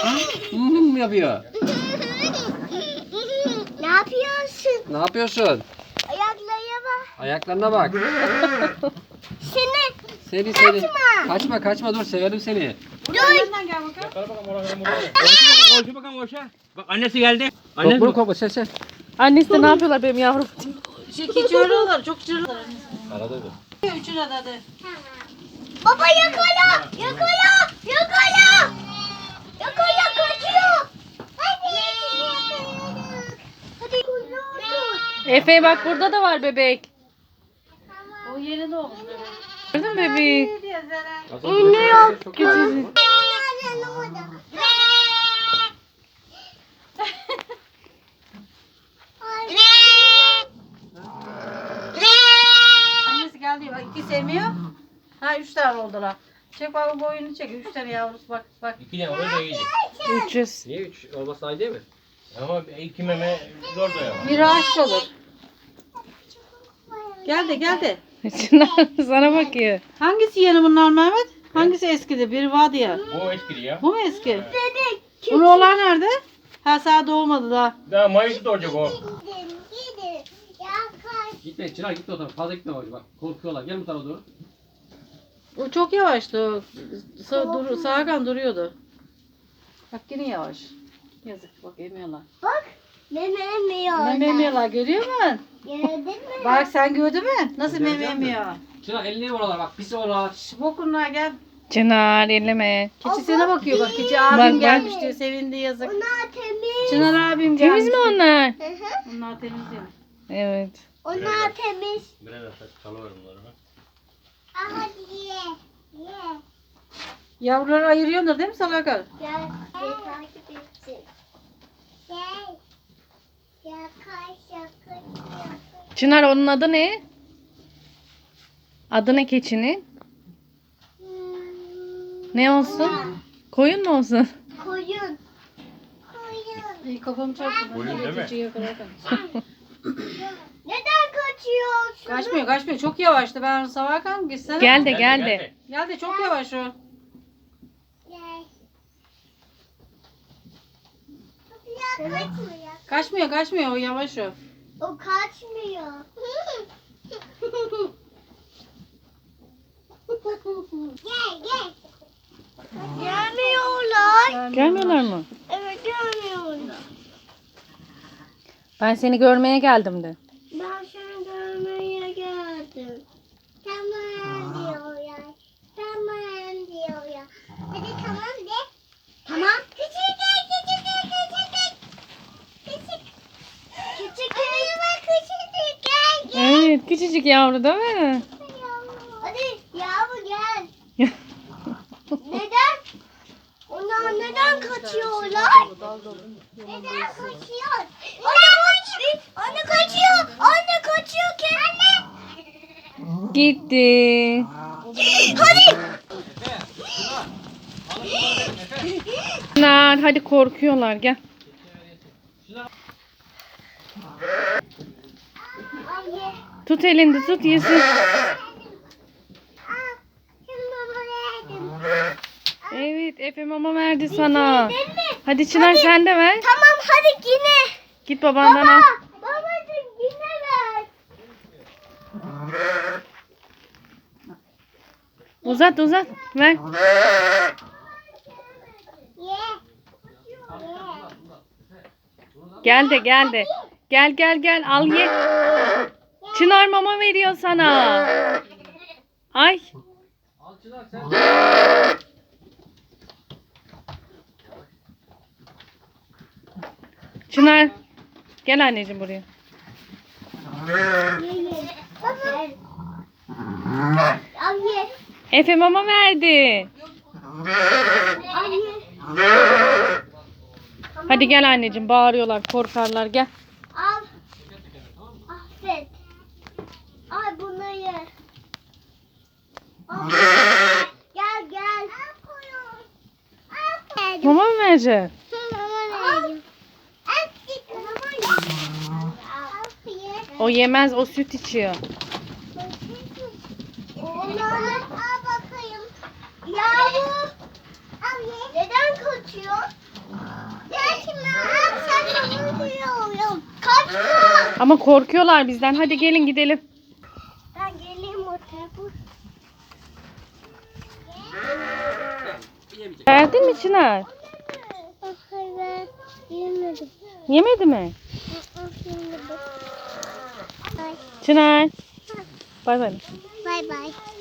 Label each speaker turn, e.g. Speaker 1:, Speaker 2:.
Speaker 1: Yapıyor.
Speaker 2: Ne yapıyorsun?
Speaker 1: Ne yapıyorsun?
Speaker 2: Ayaklarına bak.
Speaker 1: Ayaklarına bak.
Speaker 2: Seni.
Speaker 1: Seni. Kaçma dur severim seni.
Speaker 2: Dur.
Speaker 3: Yakala bakalım oraya. Koşu bakalım koşa. Bak annesi geldi. Annesi
Speaker 1: Bunu kopma sen.
Speaker 4: Annesi de ne yapıyorlar benim yavrum?
Speaker 5: Çekiyorlar, çok çırırlar.
Speaker 1: Arada dur.
Speaker 5: Üçüne de hadi.
Speaker 2: Baba yakala. Yakala. Yakala. Yakala kaçıyor. Hadi. Hadi.
Speaker 4: Efe bak burada da var bebek.
Speaker 5: O yeni doğmuş böyle.
Speaker 4: Gördün mü bebeği?
Speaker 1: İğne yok.
Speaker 4: Küçücük.
Speaker 5: Annesi geldi bak, iki sevmiyor. Ha 3 tane oldular. Çek bak boyunu çek. 3 tane yavrusu bak bak.
Speaker 3: 2 tane oraya da yiyecek.
Speaker 4: 300.
Speaker 1: Niye 3 olması aynı değil mi?
Speaker 3: Ama 2 meme zor doyamaz.
Speaker 5: Biri aç olur. Geldi geldi.
Speaker 4: Çınar sana bakıyor.
Speaker 5: Hangisi yeni bunlar Mehmet? Hangisi eskidi? Biri vardı ya.
Speaker 3: Bu eskidi ya.
Speaker 5: Bu mu eski? Bunun olan nerede? Ha sağ doğmadı daha.
Speaker 3: Daha Mayıs'ta doğacak o.
Speaker 1: Gitme Çınar gitme o tarafa. Fazla gitme bak. Korkuyorlar. Gel bu tarafa doğru.
Speaker 5: O çok yavaştı. O. Sağkan duruyordu. Bak yine yavaş. Yazık bak emiyorlar.
Speaker 2: Bak. Meme emiyor.
Speaker 5: Meme emiyorlar görüyor musun?
Speaker 2: Gördün mü?
Speaker 5: Bak sen gördün mü? Nasıl meme emiyor?
Speaker 1: Çınar elini oralar bak. Pis oralar.
Speaker 5: Bokunlar gel.
Speaker 4: Çınar elleme.
Speaker 5: Keçisine bakıyor bak. Keçi abim
Speaker 4: Bak.
Speaker 5: gelmiş diyor. Sevindi yazık.
Speaker 2: Onlar temiz.
Speaker 5: Çınar abim gelmiş.
Speaker 4: Temiz mi onlar?
Speaker 2: Hı hı.
Speaker 5: Onlar temiz değil.
Speaker 4: Evet.
Speaker 2: Onlar temiz.
Speaker 3: Biraz çalıverim bunları.
Speaker 2: Aha ye. Ye.
Speaker 5: Yavruları ayırıyorlar değil mi Salakar?
Speaker 2: Gel. Gel takip etsin. Gel. Şaka.
Speaker 4: Çınar onun adı ne? Adı ne keçinin? Ne olsun? Koyun mu olsun?
Speaker 2: Koyun.
Speaker 5: İyi kafamı çarptı.
Speaker 3: Koyun değil mi?
Speaker 5: Keçiyi yakalarken.
Speaker 2: Neden kaçıyorsun?
Speaker 5: Kaçmıyor. Çok yavaştı. Ben Salakar gitsene.
Speaker 4: Gel de.
Speaker 5: Geldi çok yavaş o.
Speaker 2: Gel. Kaçmıyor.
Speaker 5: Kaçmıyor o yavaş o.
Speaker 2: O kaçmıyor. Gel. Gelmiyorlar.
Speaker 4: Gelmiyorlar mı?
Speaker 2: Evet gelmiyorlar.
Speaker 4: Ben seni görmeye geldim de.
Speaker 2: Ben seni görmeye geldim. Tamam diyorlar. Tamam diyorlar. Hadi tamam de. Tamam. Küçük. Gel.
Speaker 4: Evet küçücük yavru değil mi?
Speaker 2: Hadi yavru gel. Neden? Onlar neden kaçıyorlar? Neden kaçıyor? Anne kaçıyor. Anne kaçıyor ki. Anne.
Speaker 4: Gitti.
Speaker 2: Hadi.
Speaker 4: Çınar hadi korkuyorlar gel.
Speaker 2: Anne.
Speaker 4: Tut elinde tut yesin.
Speaker 2: Şimdi baba verdim.
Speaker 4: Evet Efe mama verdi sana. Hadi Çınar sen de ver.
Speaker 2: Tamam hadi yine.
Speaker 4: Git babandan al.
Speaker 2: Babacığım yine ver.
Speaker 4: Uzat ver.
Speaker 2: Ye.
Speaker 4: Gel de. Gel al ye. Çınar mama veriyor sana. Ay.
Speaker 1: Al Çınar sen.
Speaker 4: Çınar. Gel anneciğim buraya.
Speaker 2: Baba. Al ye.
Speaker 4: Efe mama verdi.
Speaker 2: Al ye.
Speaker 4: Hadi gel anneciğim bağırıyorlar korkarlar gel.
Speaker 2: Al. Affet. Al bunu ye. Al. Gel. Al.
Speaker 4: Mama mı vereceksin? O yemez o süt içiyor.
Speaker 2: Onlarla al bakayım. Yavru. Neden kaçıyor?
Speaker 4: Ama korkuyorlar bizden. Hadi gelin gidelim.
Speaker 2: Ben geleyim o tarafa.
Speaker 4: Verdin mi Çınar?
Speaker 2: Hayır ben yemedim.
Speaker 4: Yemedi mi?
Speaker 2: Yemedim. Bye.
Speaker 4: Çınar. Bay bay.
Speaker 2: Bye bye.